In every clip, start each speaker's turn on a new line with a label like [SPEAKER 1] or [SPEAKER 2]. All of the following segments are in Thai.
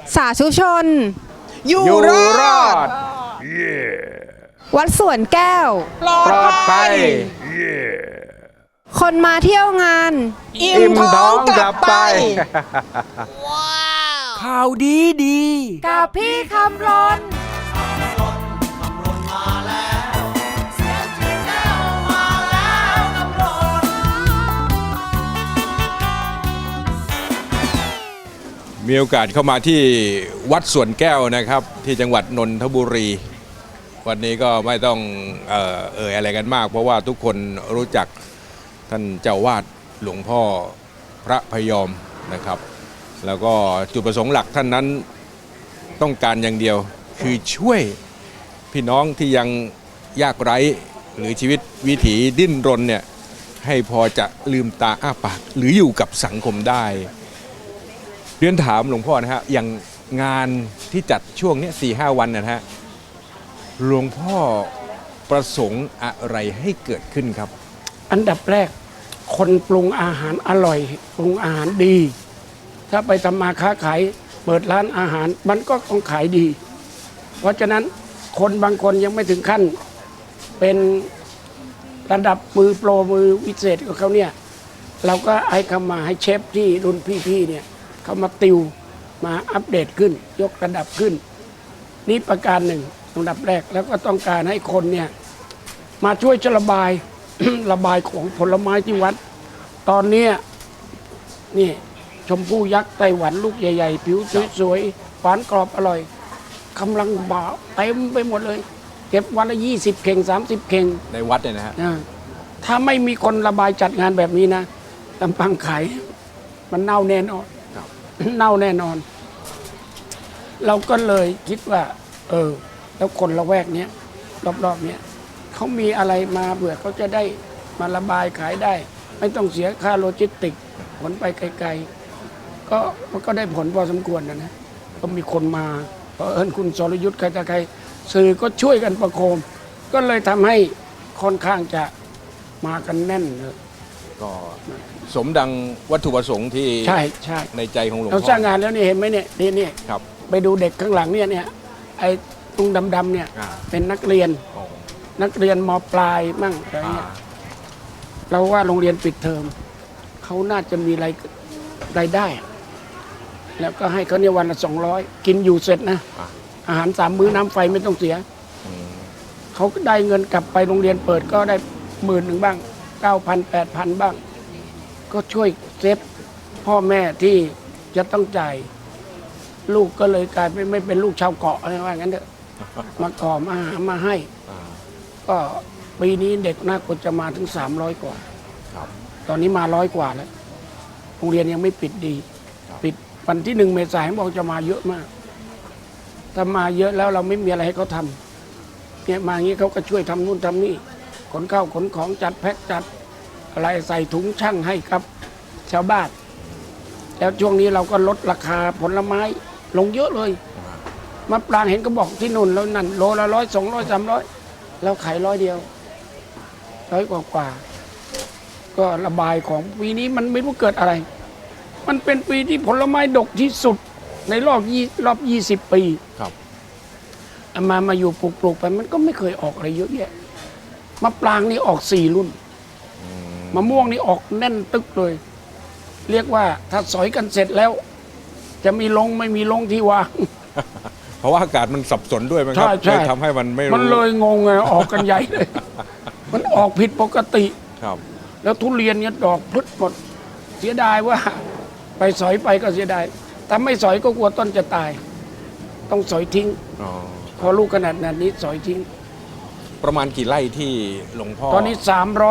[SPEAKER 1] สาธุชน
[SPEAKER 2] อยู่รอด
[SPEAKER 1] วัดสวนแก้ว
[SPEAKER 2] ปลอดภัย
[SPEAKER 1] คนมาเที่ยวงาน
[SPEAKER 2] อิ่มท้องกลับไป
[SPEAKER 3] ข่าวดีดี
[SPEAKER 1] กับพี่คำรน
[SPEAKER 4] มีโอกาสเข้ามาที่วัดสวนแก้วนะครับที่จังหวัดนนทบุรี วันนี้ก็ไม่ต้องเอ่ยอะไรกันมาก เพราะว่าทุกคนรู้จักท่านเจ้าวาดหลวงพ่อพระพยอมนะครับ แล้วก็จุดประสงค์หลักท่านนั้นต้องการอย่างเดียวคือช่วยพี่น้องที่ยังยากไร้หรือชีวิตวิถีดิ้นรนเนี่ยให้พอจะลืมตาอ้าปากหรืออยู่กับสังคมได้เรียนถามหลวงพ่อนะฮะอย่างงานที่จัดช่วงนี้ 4-5 วันนะฮะหลวงพ่อประสงค์อะไรให้เกิดขึ้นครับ
[SPEAKER 3] อันดับแรกคนปรุงอาหารอร่อยปรุงอาหารดี ถ้าไปทำมาค้าขายเปิดร้านอาหารมันก็ต้องขายดี เพราะฉะนั้นคนบางคนยังไม่ถึงขั้นเป็นระดับมือโปรมือวิเศษของเขาเนี่ยเราก็ให้เขามาให้เชฟที่รุ่นพี่ๆเนี่ยเขามาติวมาอัปเดตขึ้นยกระดับขึ้นนี่ประการหนึ่งอันดับแรกแล้วก็ต้องการให้คนเนี่ยมาช่วยระบาย ระบายของผลไม้ที่วัดตอนนี้นี่ชมพู่ยักษ์ไต้หวันลูกใหญ่ๆผิวสวยๆหวานกรอบอร่อยกำลังบ่าเต็มไปหมดเลยเก็บวันละ20 เข่ง30 เข่ง
[SPEAKER 4] ในวัดเนี่ยนะฮะ
[SPEAKER 3] ถ้าไม่มีคนระบายจัดงานแบบนี้นะลำพังขายมันเน่าแน่นอน เน่าแน่นอน เราก็เลยคิดว่าแล้วคนละแวกเนี้ยรอบๆเนี้ยเขามีอะไรมาเบื่อเขาจะได้มาระบายขายได้ ไม่ต้องเสียค่าโลจิสติกขนไปไกลๆก็ได้ผลพอสมควรนะก็มีคนมาเพราะคุณสรยุทธ์ใครต่อใครสื่อก็ช่วยกันประโคมก็เลยทำให้ค่อนข้างจะมากันแน่นเลย
[SPEAKER 4] ก็สมดังวัตถุประสงค์ที่
[SPEAKER 3] ใช่
[SPEAKER 4] ในใจของหลวง
[SPEAKER 3] เรา
[SPEAKER 4] พ่อ
[SPEAKER 3] สร้างงานแล้วนี่เห็นไหมเนี่ยนี่
[SPEAKER 4] ครับ
[SPEAKER 3] ไปดูเด็กข้างหลังเนี่ยไอ้ตุงดำๆเนี่ย
[SPEAKER 4] อ่า
[SPEAKER 3] เป็นนักเรียน
[SPEAKER 4] อ๋อ
[SPEAKER 3] นักเรียนมปลายมั่งอะไรเงี้ยเราว่าโรงเรียนปิดเทอมเขาน่าจะมีรายได้ แล้วก็ให้เขาเนี่ยวันละ200กินอยู่เสร็จนะอาหาร3 มื้อน้ำไฟไม่ต้องเสียเขาก็ได้เงินกลับไปโรงเรียนเปิดก็ได้10,000บ้าง9,000 8,000บ้างก็ช่วยเซฟพ่อแม่ที่จะต้องจ่ายลูกก็เลยกลายไม่เป็นลูกชาวเกาะอะไรว่างั้นเถอะมาก่อมาหามาให้ก็ปีนี้เด็กน่าควรจะมาถึง300 กว่าตอนนี้มา100 กว่าแล้วโรงเรียนยังไม่ปิดดีปิดวันที่1 เมษายนบอกจะมาเยอะมากถ้ามาเยอะแล้วเราไม่มีอะไรให้เขาทำเนี่ยมาอย่างนี้เขาก็ช่วยทำนู่นทำนี่ขนข้าวขนของจัดแพ็คจัดอะไรใส่ถุงช่างให้ครับชาวบ้านแล้วช่วงนี้เราก็ลดราคาผลไม้ลงเยอะเลยมะปรางเห็นก็บอกที่นู่นแล้วนั่นโลละ100 200 300เราขาย100 เดียว100 กว่าก็ระบายของปีนี้มันไม่รู้เกิดอะไรมันเป็นปีที่ผลไม้ดกที่สุดในรอบ20 ปี
[SPEAKER 4] ครับ
[SPEAKER 3] มาอยู่ปลูกไปมันก็ไม่เคยออกอะไรเยอะแยะมะปรางนี่ออก4 รุ่นมะม่วงนี่ออกแน่นตึกเลย เรียกว่าถ้าสอยกันเสร็จแล้ว จะมีลงไม่มีลงที่วาง
[SPEAKER 4] เพราะว่าอากาศมันสับสนด้วยมั้งครับ
[SPEAKER 3] ใช่
[SPEAKER 4] เลยทำให้มันไม่รู้
[SPEAKER 3] มันเลยงงไงออกกันใหญ่เลย มันออกผิดปกติ
[SPEAKER 4] ครับ
[SPEAKER 3] แล้วทุเรียนเนี่ยดอกพลึดหมดเสียดายว่า ไปสอยไปก็เสียดายถ้าไม่สอยก็กลัวต้นจะตาย ต้องสอยทิ้ง
[SPEAKER 4] อ๋อ
[SPEAKER 3] พอลูกขนาดนี้สอยทิ้ง
[SPEAKER 4] ประมาณกี่ไร่ที่หลวงพ่อ
[SPEAKER 3] ตอนนี้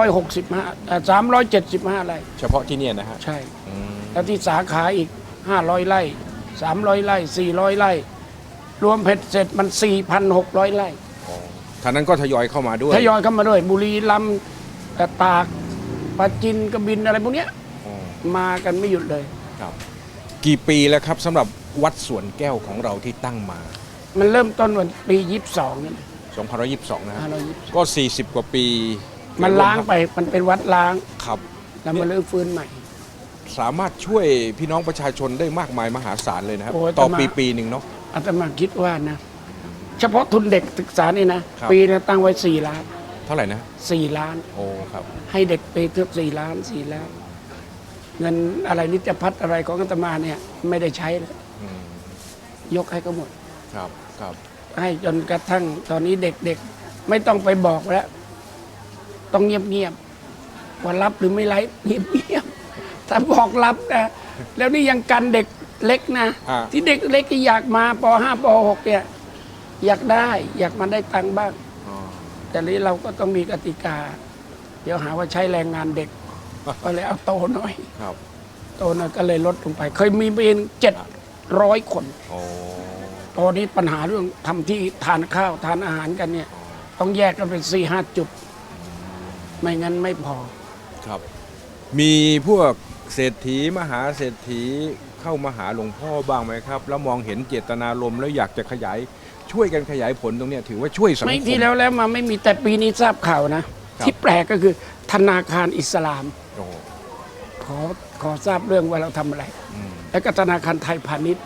[SPEAKER 3] 375ไร่
[SPEAKER 4] เฉพาะที่เนี่ยนะฮะ
[SPEAKER 3] ใช่
[SPEAKER 4] อืม
[SPEAKER 3] แล้วที่สาขาอีก500 ไร่300 ไร่400 ไร่รวมเผ็ดเสร็จมัน 4,600 ไร่
[SPEAKER 4] อ๋อท่านั้นก็ทยอยเข้ามาด้วย
[SPEAKER 3] ทยอยเข้ามาด้วยบุรีรัมย์ตากปราจีนกบินอะไรพวกเนี้ย
[SPEAKER 4] อ๋อ
[SPEAKER 3] มากันไม่หยุดเลย
[SPEAKER 4] ครับ กี่ปีแล้วครับสำหรับวัดสวนแก้วของเราที่ตั้งมา
[SPEAKER 3] มันเริ่มต้นวันปี22นี่
[SPEAKER 4] 2522 นะฮะ
[SPEAKER 3] 522
[SPEAKER 4] ก็ 40 กว่าปี
[SPEAKER 3] มันล้างไปมันเป็นวัดล้าง
[SPEAKER 4] ครับ
[SPEAKER 3] แล้วมาเริ่มฟื้นใหม่
[SPEAKER 4] สามารถช่วยพี่น้องประชาชนได้มากมายมหาศาลเลยนะครับ
[SPEAKER 3] โอ้ย
[SPEAKER 4] ต่อ
[SPEAKER 3] แต่มา
[SPEAKER 4] ปีหนึ่งเนาะ
[SPEAKER 3] อาตมาคิดว่านะ เฉพาะทุนเด็กศึกษานี่นะครับ ปีนึงตั้งไว้4 ล้าน
[SPEAKER 4] เท่าไหร่นะ
[SPEAKER 3] 4 ล้าน
[SPEAKER 4] โอ้ครับ
[SPEAKER 3] ให้เด็กไปเทือก4 ล้าน 4 ล้าน เงินอะไรนิจพัฒน์อะไรของอาตมาเนี่ยไม่ได้ใช้เลย
[SPEAKER 4] อืม
[SPEAKER 3] ยกให้เขาหมด
[SPEAKER 4] ครับครับ
[SPEAKER 3] ให้จนกระทั่งตอนนี้เด็กๆไม่ต้องไปบอกแล้ว ต้องเงียบๆว่ารับหรือไม่รับเงียบๆถ้าบอกรับนะแล้วนี่ยังกันเด็กเล็กนะ ที่เด็กเล็กที่อยากมาป .5 ป .6 เนี่ยอยากได้อยากมาได้ตังค์บ้าง
[SPEAKER 4] อ๋อ
[SPEAKER 3] แต่นี้เราก็ต้องมีกติกา เดี๋ยวหาว่าใช้แรงงานเด็ก ก็เลยเอาโตหน่อย
[SPEAKER 4] ครับ
[SPEAKER 3] โตหน่อยก็เลยลดลงไป เคยมีเป็น700 คน
[SPEAKER 4] โอ้
[SPEAKER 3] ตอนนี้ปัญหาเรื่องทำที่ทานข้าวทานอาหารกันเนี่ย ต้องแยกกันเป็น4-5 จุด ไม่งั้นไม่พอ
[SPEAKER 4] ครับ มีพวกเศรษฐีมหาเศรษฐีเข้ามาหาหลวงพ่อบ้างไหมครับ แล้วมองเห็นเจตนารมณ์แล้วอยากจะขยายช่วยกันขยายผลตรงเนี้ยถือว่าช่วยสังค
[SPEAKER 3] ไม่
[SPEAKER 4] ม
[SPEAKER 3] ที่แล้วมาไม่มีแต่ปีนี้ทราบข่าวนะ
[SPEAKER 4] ครับ
[SPEAKER 3] ที่แปลกก็คือธนาคารอิสลาม
[SPEAKER 4] โอ้
[SPEAKER 3] ขอทราบเรื่องว่าเราทำอะไร
[SPEAKER 4] อืม
[SPEAKER 3] แล้วก็ธนาคารไทยพาณิชย์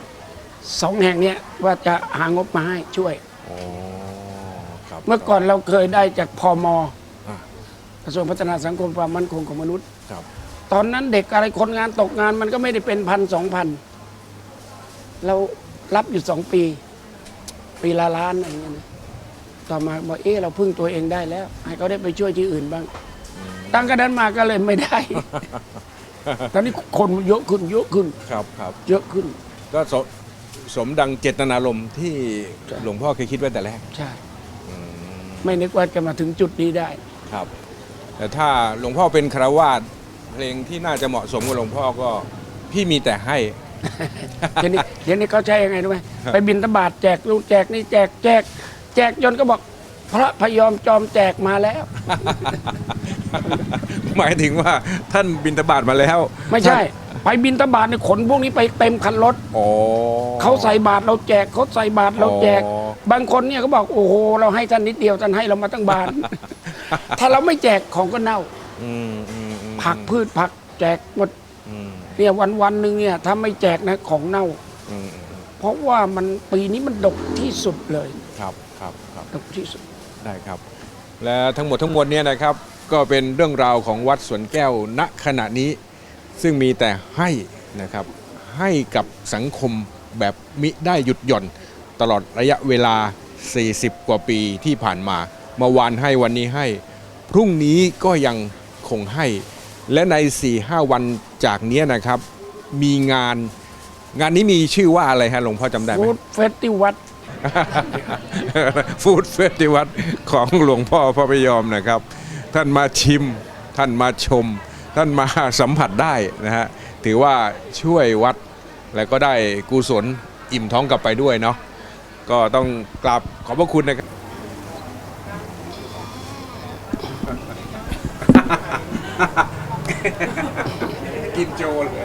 [SPEAKER 3] 2 แห่งเนี้ยว่าจะหางบมาให้ช่วย
[SPEAKER 4] โอ้ครับ
[SPEAKER 3] เมื่อก่อนเราเคยได้จากพม
[SPEAKER 4] อ่ะ
[SPEAKER 3] กระทรวงพัฒนาสังคมความมั่นคงของมนุษย์
[SPEAKER 4] ครับ
[SPEAKER 3] ตอนนั้นเด็กอะไรคนงานตกงานมันก็ไม่ได้เป็น1,000-2,000เรารับอยู่2 ปีละล้านอะไรเงี้ยนะต่อมาบอกเราพึ่งตัวเองได้แล้ว ให้เขาได้ไปช่วยที่อื่นบ้าง ตั้งแต่นั้นมาก็เลยไม่ได้ ตอนนี้คนเยอะขึ้น
[SPEAKER 4] ครับครับ
[SPEAKER 3] เยอะขึ้น
[SPEAKER 4] ก็สมดังเจตนารมณ์ที่หลวงพ่อเคยคิดไว้แต่แรก
[SPEAKER 3] ใช่
[SPEAKER 4] อืม
[SPEAKER 3] ไม่นึกว่าจะมาถึงจุดนี้ได้
[SPEAKER 4] ครับ แต่ถ้าหลวงพ่อเป็นฆราวาสเพลงที่น่าจะเหมาะสมกับหลวงพ่อก็พี่มีแต่ให้
[SPEAKER 3] เดี๋ยวนี้เขาใช้ยังไงรู้ไหมไปบิณฑบาตแจกลูกแจกนี่แจกจนก็บอก พระพยอมจอมแจกมาแล้ว
[SPEAKER 4] หมายถึงว่าท่านบิณฑบาตมาแล้ว
[SPEAKER 3] ไม่ใช่ ไปบิณฑบาตในขนพวกนี้ไปเต็มคันรถ
[SPEAKER 4] อ๋อ
[SPEAKER 3] เขาใส่บาตรเราแจกเขาใส่บาตรเราแจก
[SPEAKER 4] อ๋อ
[SPEAKER 3] บางคนเนี่ยเขาบอกโอ้โหเราให้ท่านนิดเดียวท่านให้เรามาตั้งบาตร ถ้าเราไม่แจกของก็เน่า
[SPEAKER 4] อืมอืมอืม
[SPEAKER 3] ผักพืชผักแจกหมด
[SPEAKER 4] อืม
[SPEAKER 3] เนี่ยวันหนึ่งเนี่ยถ้าไม่แจกนะของเน่า
[SPEAKER 4] อืม
[SPEAKER 3] เพราะว่ามันปีนี้มันดกที่สุดเลย
[SPEAKER 4] ครับครับครับ
[SPEAKER 3] ดกที่สุด
[SPEAKER 4] ได้ครับ และทั้งหมดทั้งมวลเนี่ยนะครับ ก็เป็นเรื่องราวของวัดสวนแก้วณขณะนี้ ซึ่งมีแต่ให้นะครับ ให้กับสังคมแบบมิได้หยุดหย่อนตลอดระยะเวลา 40 กว่าปีที่ผ่านมาเมื่อวานให้วันนี้ให้ พรุ่งนี้ก็ยังคงให้ และใน 4-5 วันจากเนี้ยนะครับ มีงานนี้มีชื่อว่าอะไรฮะหลวงพ่อจำได้ไหม
[SPEAKER 3] ฟู้ดเฟสติวัล
[SPEAKER 4] ฟู้ดเฟสติวัลของหลวงพ่อพระพยอมนะครับ ท่านมาชิม ท่านมาชม ท่านมาสัมผัสได้นะฮะถือว่าช่วยวัดแล้วก็ได้กุศลอิ่มท้องกลับไปด้วยเนาะก็ต้องกราบขอบพระคุณนะครับ กินโจเลย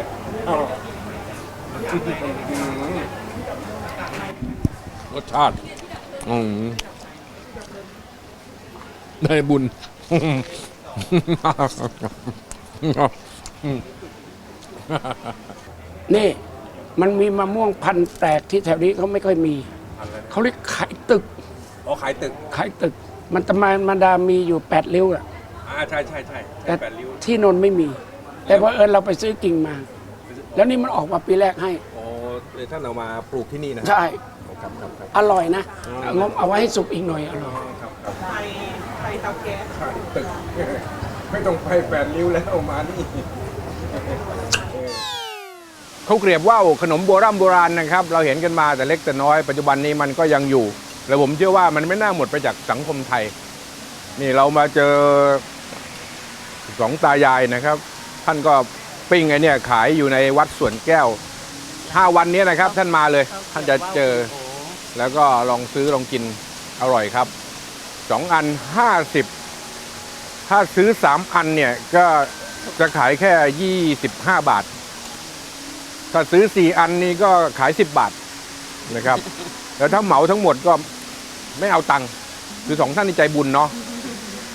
[SPEAKER 4] รสชาติได้บุญ
[SPEAKER 3] นี่มันมีมะม่วงพันธุ์แปลกที่แถวนี้เขาไม่ค่อยมี เขาเรียกไข่ตึก
[SPEAKER 4] อ๋อขายตึก
[SPEAKER 3] ไข่ตึก มันตะมันดามีอยู่8 ริ้วอะ
[SPEAKER 4] ใช่ใช่ใช่
[SPEAKER 3] แต่
[SPEAKER 4] แปดริ้ว
[SPEAKER 3] ที่นนท์ไม่มี แต่เพราะเอิญเราไปซื้อกิ่งมา แล้วนี่มันออกมาปีแรกให้
[SPEAKER 4] อ๋อเลยท่านเอามาปลูกที่นี่นะ
[SPEAKER 3] ใช่
[SPEAKER 4] ครับครับครับ
[SPEAKER 3] อร่อยนะงบเอาไว้ให้สุกอีกหน่อยอร่อย
[SPEAKER 4] ตึก ไม่ต้องไปแปดริ้วแล้วเอามานี่เขาวเกรียบว่าวขนมโบราณนะครับ เราเห็นกันมาแต่เล็กแต่น้อยปัจจุบันนี้มันก็ยังอยู่ และผมเชื่อว่ามันไม่น่าหมดไปจากสังคมไทย นี่เรามาเจอสองตายายนะครับ ท่านก็ปิ้งไอ้เนี่ยขายอยู่ในวัดสวนแก้ว5 วันนี้นะครับ ท่านมาเลย ท่านจะเจอ แล้วก็ลองซื้อลองกินอร่อยครับ2 อัน50ถ้าซื้อ3 อันเนี่ยก็จะขายแค่25 บาท ถ้าซื้อ4 อันนี้ก็ขาย10 บาทนะครับแล้วถ้าเหมาทั้งหมดก็ไม่เอาตังค์คือ2 ท่านนี่ใจบุญเนาะ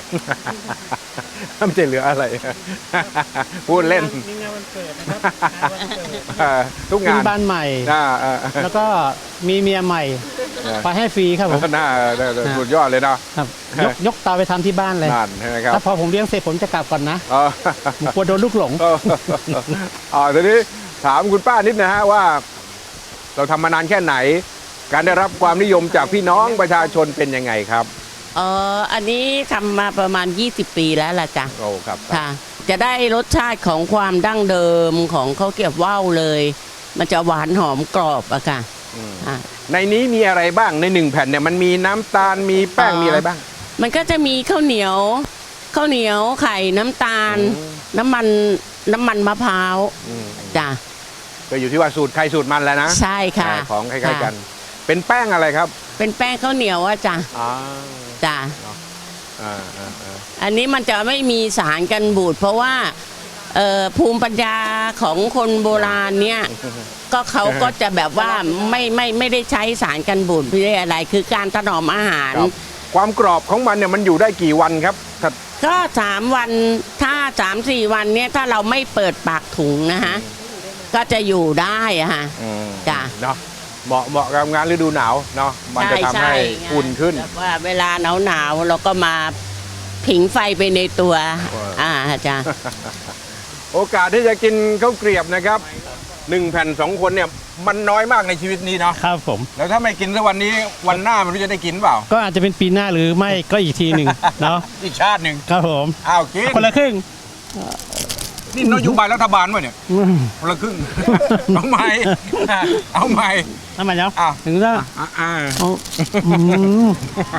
[SPEAKER 4] ไม่ใช่เหลืออะไร พูดเล่น
[SPEAKER 3] มีงานวันเกิดนะครับ
[SPEAKER 4] ทุก
[SPEAKER 5] ขึ้
[SPEAKER 4] งาน น
[SPEAKER 5] บ้านใหม่ แล้วก็มีเมียใหม่ ไปให้ฟรีครับผม
[SPEAKER 4] น่าสุดยอดเลยเนาะ
[SPEAKER 5] ครับยกเตาไปทำที่บ้านเลย
[SPEAKER 4] นั่นใช่ไหมครับ
[SPEAKER 5] ถ้าพอผมเลี้ยงเสร็จผมจะกลับก่อนนะ
[SPEAKER 4] อ๋อ
[SPEAKER 5] ผมกลัวโดนลูกหลง
[SPEAKER 4] ทีนี้ถามคุณป้านิดนะฮะว่า เราทำมานานแค่ไหน การได้รับความนิยมจากพี่น้องประชาชนเป็นยังไงครับ
[SPEAKER 6] อันนี้ทำมาประมาณ 20 ปีแล้วล่ะจ้ะ
[SPEAKER 4] โอ้ครับ
[SPEAKER 6] ค่ะ จะได้รสชาติของความดั้งเดิมของข้าวเกรี๊ยวว่าวเลย มันจะหวานหอมกรอบอะค่ะอ่ะ
[SPEAKER 4] ในนี้มีอะไรบ้างใน1แผ่นเนี่ยมันมีน้ำตาลมีแป้งมีอะไรบ้าง
[SPEAKER 6] มันก็จะมีข้าวเหนียวไข่น้ำตาล น้ำมันมะพร้าวจ้ะ
[SPEAKER 4] ก็อยู่ที่ว่าสูตรใครสูตรมันแล้วนะ
[SPEAKER 6] ใช่ค่ะ
[SPEAKER 4] ของคล้ายๆกัน
[SPEAKER 6] ค่ะ
[SPEAKER 4] เป็นแป้งอะไรครับ
[SPEAKER 6] เป็นแป้งข้าวเหนียวอะจ้ะ
[SPEAKER 4] อ๋อ
[SPEAKER 6] จ้ะ
[SPEAKER 4] อ่า
[SPEAKER 6] อันนี้มันจะไม่มีสารกันบูดเพราะว่าภูมิปัญญาของคนโบราณเนี่ย ก็เขาก็จะแบบว่าไม่ได้ใช้สารกันบูดไม่ได้อะไร คือการถนอมอาหาร
[SPEAKER 4] ครับความกรอบของมันเนี่ยมันอยู่ได้กี่วันครับถ้า
[SPEAKER 6] ก็3 วันถ้า3-4 วันเนี่ยถ้าเราไม่เปิดปากถุงนะฮะก็จะอยู่ได้อะฮะ จ้ะ
[SPEAKER 4] เนาะเหมาะกับงานฤดูหนาวเนาะมันจะทำให้อุ่นขึ้น
[SPEAKER 6] แบบว่าเวลาหนาวเราก็มาผิงไฟไปในตัว จ้ะ
[SPEAKER 4] โอกาสที่จะกินข้าวเกรียบนะครับ1แผ่น2คนเนี่ยมันน้อยมากในชีวิตนี้เนาะ
[SPEAKER 5] ครับผม
[SPEAKER 4] แล้วถ้าไม่กินสักวันนี้วันหน้าไม่รู้จะได้กินเปล่า
[SPEAKER 5] ก็อาจจะเป็นปีหน้าหรือไม่ก็อีกทีหนึ่งเนาะ
[SPEAKER 4] อีกชาติหนึ่ง
[SPEAKER 5] ครับผม
[SPEAKER 4] อ้าวกิน
[SPEAKER 5] คนละครึ่ง
[SPEAKER 4] นี่นโยบายรัฐบาลวะเนี่ยคนละครึ่ง เอาใหม่ เอาใหม่
[SPEAKER 5] ทำไมเนาะ
[SPEAKER 4] อ้าว
[SPEAKER 5] ถึงจะ
[SPEAKER 4] อ่า
[SPEAKER 5] เอาอืม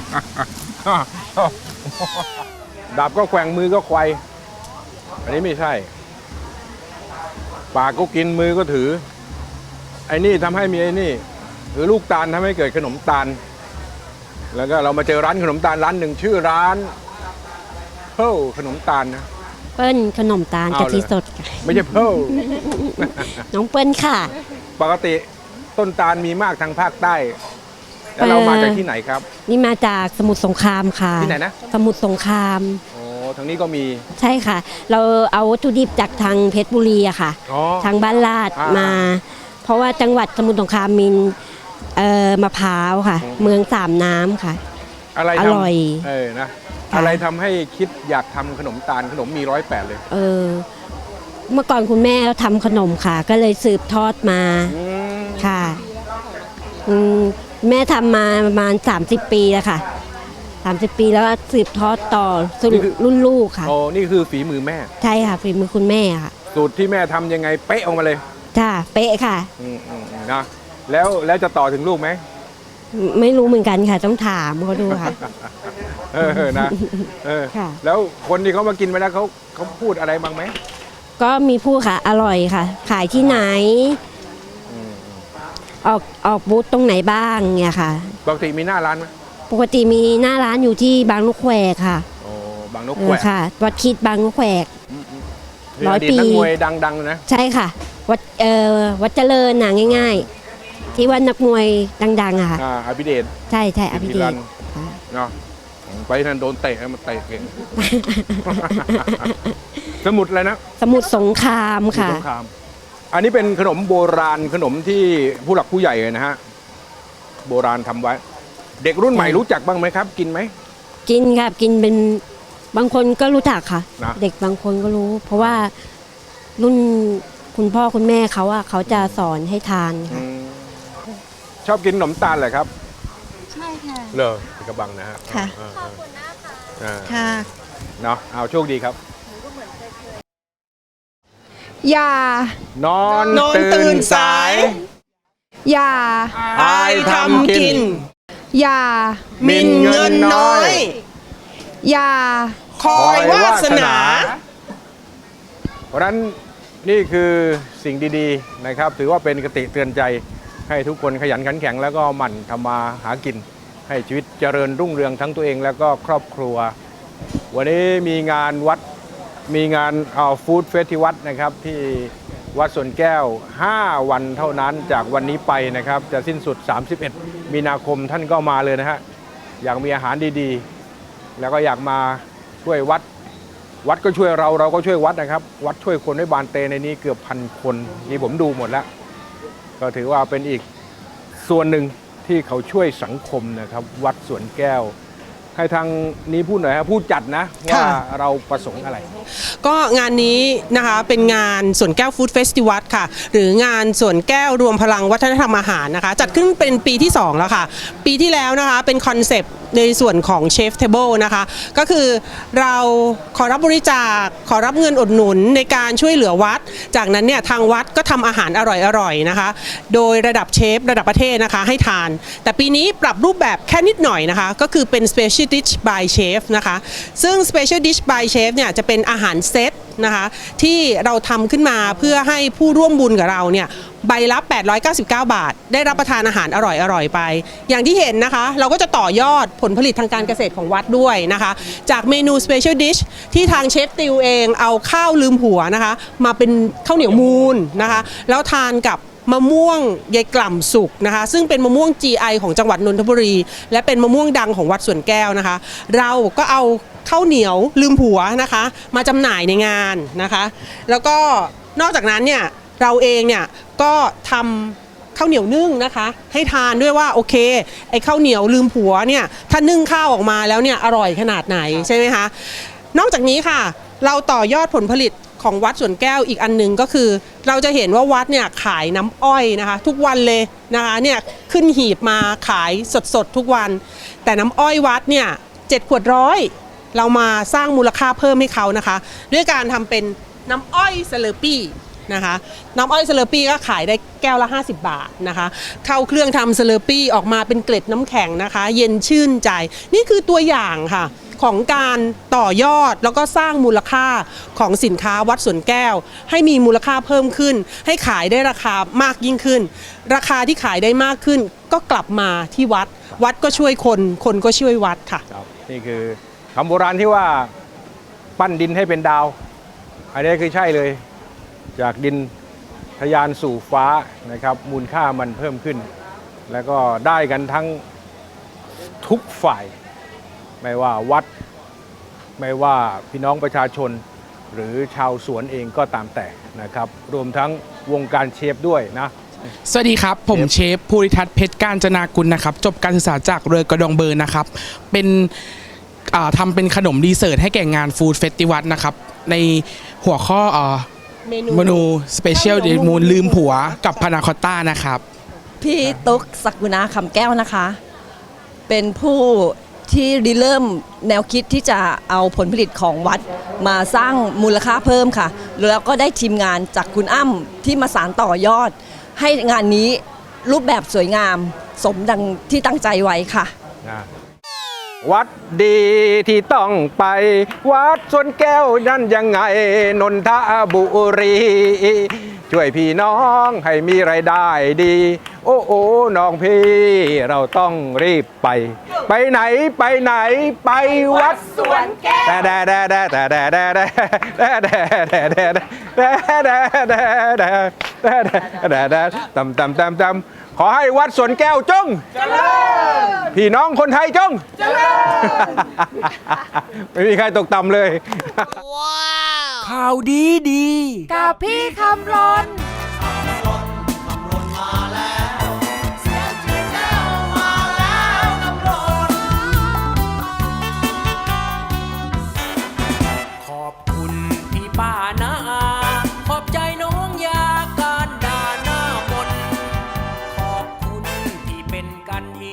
[SPEAKER 4] ดาบก็แกว่งมือก็ควายอันนี้ไม่ใช่ ปากก็กินมือก็ถือ ไอ้นี่ทำให้มีไอ้นี่หรือลูกตาลทำให้เกิดขนมตาล แล้วก็เรามาเจอร้านขนมตาลร้านหนึ่งชื่อร้านเพิลขนมตาลนะ
[SPEAKER 7] เปิ้ลขนมตาล
[SPEAKER 4] เอา
[SPEAKER 7] กะทิ
[SPEAKER 4] เลย
[SPEAKER 7] สด
[SPEAKER 4] ไม่ใช่เพิล
[SPEAKER 7] น้องเปิ้ลค่ะ
[SPEAKER 4] ปกติต้นตาลมีมากทางภาคใต้ แล้วเรามาจากที่ไหนครับ
[SPEAKER 7] นี่มาจากสมุทรสงครามค่ะ
[SPEAKER 4] ที่ไหนนะ
[SPEAKER 7] สมุทรสงคราม
[SPEAKER 4] โอ้ทางนี้ก็มี
[SPEAKER 7] ใช่ค่ะ เราเอาวัตถุดิบจากทางเพชรบุรีอะค่ะ
[SPEAKER 4] อ๋อ
[SPEAKER 7] ทางบ้านลาด
[SPEAKER 4] อ่าม
[SPEAKER 7] มา เพราะว่าจังหวัดสมุทรสงครามมีมะพร้าวค่ะ เมืองสามน้ำค่ะ
[SPEAKER 4] อะไร
[SPEAKER 7] อ
[SPEAKER 4] ทำ
[SPEAKER 7] ร่อย
[SPEAKER 4] นะ
[SPEAKER 7] ค่ะ
[SPEAKER 4] อะไรทำให้คิดอยากทำขนมตาลขนมมี108เลย
[SPEAKER 7] เมื่อก่อนคุณแม่เขาทำขนมค่ะ ก็เลยสืบทอดมาค่ะแม่ทำมาประมาณ30 ปีแล้วค่ะ30 ปีแล้วก็สืบทอดต่อสู่รุ่นลูกค่ะ
[SPEAKER 4] โอ้นี่คือฝีมือแม่
[SPEAKER 7] ใช่ค่ะฝีมือคุณแม่ค่ะ
[SPEAKER 4] สูตรที่แม่ทำยังไงเป๊ะออกมาเลย
[SPEAKER 7] จ้าเป๊ะค่ะ
[SPEAKER 4] นะแล้วจะต่อถึงลูกไหม
[SPEAKER 7] ไม่รู้เหมือนกันค่ะ ต้องถามเขาดูค่ะ
[SPEAKER 4] นะ
[SPEAKER 7] ค่ะ
[SPEAKER 4] แล้วคนที่เขามากินไปแล้วเขาพูดอะไรบ้างไหม
[SPEAKER 7] ก็มีผู้ค่ะ อร่อยค่ะ ขายที่ไหน ออกบูธตรงไหนบ้างเนี่ยค่ะ
[SPEAKER 4] ปกติมีหน้าร้านไหม
[SPEAKER 7] ปกติมีหน้าร้านอยู่ที่บางนกแควกค่ะ
[SPEAKER 4] โอ้บางนกแขวก
[SPEAKER 7] ค่ะ วัดคิดบางนกแควก
[SPEAKER 4] นี่
[SPEAKER 7] 100
[SPEAKER 4] อดีต
[SPEAKER 7] ปี
[SPEAKER 4] นักมวยดังๆนะ
[SPEAKER 7] ใช่ค่ะ วัดเจริญน่ะง่าย ๆ ที่ว่านักมวยดังๆอะค่ะ
[SPEAKER 4] อภิเดช
[SPEAKER 7] ใช่ใช่อภิเด
[SPEAKER 4] รั
[SPEAKER 7] ช
[SPEAKER 4] น
[SPEAKER 7] ค่ะ
[SPEAKER 4] เนาะไปนั่นโดนเตะมาเตะเก่ง สมุดอะไรนะ
[SPEAKER 7] สมุทรสงครามค่ะ
[SPEAKER 4] สงครามอันนี้เป็นขนมโบราณขนมที่ผู้หลักผู้ใหญ่นะฮะโบราณทำไว้ เด็กรุ่นใหม่รู้จักบ้างไหมครับ กินไหม
[SPEAKER 7] กินค่ะกินเป็นบางคนก็รู้จักค่ะ
[SPEAKER 4] นะ
[SPEAKER 7] เด็กบางคนก็รู้ เพราะว่ารุ่นคุณพ่อคุณแม่เขาอะเขาจะสอนให้ทานค่ะ
[SPEAKER 4] ชอบกินขนมตาลเหรอครับ
[SPEAKER 1] ใช่ค่ะ
[SPEAKER 4] เลอกระบังนะฮะ
[SPEAKER 1] ค่ะ
[SPEAKER 4] ขอบคุณนะคะ
[SPEAKER 1] ค่ะ
[SPEAKER 4] เนาะเอาโชคดีครับ
[SPEAKER 1] อย่า
[SPEAKER 4] นอน
[SPEAKER 2] นอนตื่นสาย
[SPEAKER 1] อย่า
[SPEAKER 2] อายทำกิน
[SPEAKER 1] อย่า
[SPEAKER 2] มินเงินน้อย
[SPEAKER 1] อย่า
[SPEAKER 2] คอยวาสนา
[SPEAKER 4] เพราะฉะนั้นนี่คือสิ่งดีๆนะครับ ถือว่าเป็นคติเตือนใจให้ทุกคนขยันขันแข็งแล้วก็หมั่นทำมาหากิน ให้ชีวิตเจริญรุ่งเรืองทั้งตัวเองแล้วก็ครอบครัว วันนี้มีงานวัดมีงานฟู้ดเฟสที่วัดนะครับที่วัดสวนแก้ว 5 วันเท่านั้นจากวันนี้ไปนะครับ จะสิ้นสุด 31 มีนาคมท่านก็มาเลยนะฮะอยากมีอาหารดีๆ แล้วก็อยากมาช่วยวัด วัดก็ช่วยเราก็ช่วยวัดนะครับ วัดช่วยคนให้บานเตในนี้เกือบ1,000 คนนี่ผมดูหมดแล้ว ก็ถือว่าเป็นอีกส่วนหนึ่งที่เขาช่วยสังคมนะครับ วัดสวนแก้ว ให้ทางนี้พูดหน่อยครับผู้จัดนะว่าเราประสงค์อะไร
[SPEAKER 2] ก็งานนี้นะคะเป็นงานสวนแก้วฟู้ดเฟสติวัลค่ะหรืองานสวนแก้วรวมพลังวัฒนธรรมอาหารนะคะจัดขึ้นเป็นปีที่ 2 แล้วค่ะปีที่แล้วนะคะเป็นคอนเซปต์ในส่วนของเชฟเทเบิลนะคะก็คือเราขอรับบริจาคขอรับเงินอุดหนุนในการช่วยเหลือวัดจากนั้นเนี่ยทางวัดก็ทำอาหารอร่อยๆนะคะโดยระดับเชฟระดับประเทศนะคะให้ทานแต่ปีนี้ปรับรูปแบบแค่นิดหน่อยนะคะก็คือเป็น Special Dish by Chef นะคะซึ่ง Special Dish by Chef เนี่ยจะเป็นอาหารเซตนะคะที่เราทำขึ้นมาเพื่อให้ผู้ร่วมบุญกับเราเนี่ยใบละ899 บาทได้รับประทานอาหารอร่อยๆไปอย่างที่เห็นนะคะเราก็จะต่อยอดผลผลิตทางการเกษตรของวัดด้วยนะคะจากเมนู Special Dish ที่ทางเชฟติวเองเอาข้าวลืมหัวนะคะมาเป็นข้าวเหนียวมูนนะคะแล้วทานกับมะม่วงยายกล่ำสุกนะคะซึ่งเป็นมะม่วง GI ของจังหวัดนนทบุรีและเป็นมะม่วงดังของวัดสวนแก้วนะคะเราก็เอาข้าวเหนียวลืมผัวนะคะมาจำหน่ายในงานนะคะแล้วก็นอกจากนั้นเนี่ยเราเองเนี่ยก็ทำข้าวเหนียวนึ่งนะคะให้ทานด้วยว่าโอเคไอ้ข้าวเหนียวลืมผัวเนี่ยถ้านึ่งข้าวออกมาแล้วเนี่ยอร่อยขนาดไหนใช่ไหมคะนอกจากนี้ค่ะเราต่อยอดผลผลิตของวัดสวนแก้วอีกอันหนึ่งก็คือเราจะเห็นว่าวัดเนี่ยขายน้ำอ้อยนะคะทุกวันเลยนะคะเนี่ยขึ้นหีบมาขายสดๆทุกวันแต่น้ำอ้อยวัดเนี่ย7 ขวดร้อยเรามาสร้างมูลค่าเพิ่มให้เขานะคะด้วยการทำเป็นน้ำอ้อยเซเลปี้นะคะน้ำอ้อยเซเลปี้ก็ขายได้แก้วละ50 บาทนะคะเข้าเครื่องทำเซเลปี้ออกมาเป็นเกล็ดน้ำแข็งนะคะเย็นชื่นใจนี่คือตัวอย่างค่ะของการต่อยอดแล้วก็สร้างมูลค่าของสินค้าวัดสวนแก้วให้มีมูลค่าเพิ่มขึ้นให้ขายได้ราคามากยิ่งขึ้นราคาที่ขายได้มากขึ้นก็กลับมาที่วัดวัดก็ช่วยคนคนก็ช่วยวัดค่ะ
[SPEAKER 4] นี่คือคำโบราณที่ว่าปั้นดินให้เป็นดาวอันนี้คือใช่เลยจากดินทะยานสู่ฟ้านะครับมูลค่ามันเพิ่มขึ้นแล้วก็ได้กันทั้งทุกฝ่ายไม่ว่าวัดไม่ว่าพี่น้องประชาชนหรือชาวสวนเองก็ตามแต่นะครับรวมทั้งวงการเชฟด้วยนะ
[SPEAKER 8] สวัสดีครับผมเชฟภูริทัศน์เพชรกาญจนากุลนะครับจบการศึกษาจากเรือกระดองเบอร์นะครับเป็นทำเป็นขนมดีเซอร์ทให้แก่งานฟู้ดเฟสติวัลนะครับในหัวข้อเมนูสเปเชียลเดมูนลืมผัวกับพานาคอตต้านะครับ
[SPEAKER 9] พี่ตุ๊กศักกุณาคำแก้วนะคะเป็นผู้ที่ริเริ่มแนวคิดที่จะเอาผลผลิตของวัดมาสร้างมูลค่าเพิ่มค่ะแล้วก็ได้ทีมงานจากคุณอ้ำที่มาสานต่อยอดให้งานนี้รูปแบบสวยงามสมดังที่ตั้งใจไว้ค่ะ
[SPEAKER 4] วัดดีที่ต้องไปวัดสวนแก้วนั่นยังไงนนทบุรีช่วยพี่น้องให้มีรายได้ดีโอ้โอ้น้องพี่เราต้องรีบไปไหนไปไหนไปวัดสวนแก้วแต่ขอให้วัดสวนแก้วจงเจริญพี่น้องคนไทยจงเจริญไม่มีใครตกต่ำเลย
[SPEAKER 8] ข่าวดี
[SPEAKER 1] กับพี่คำรน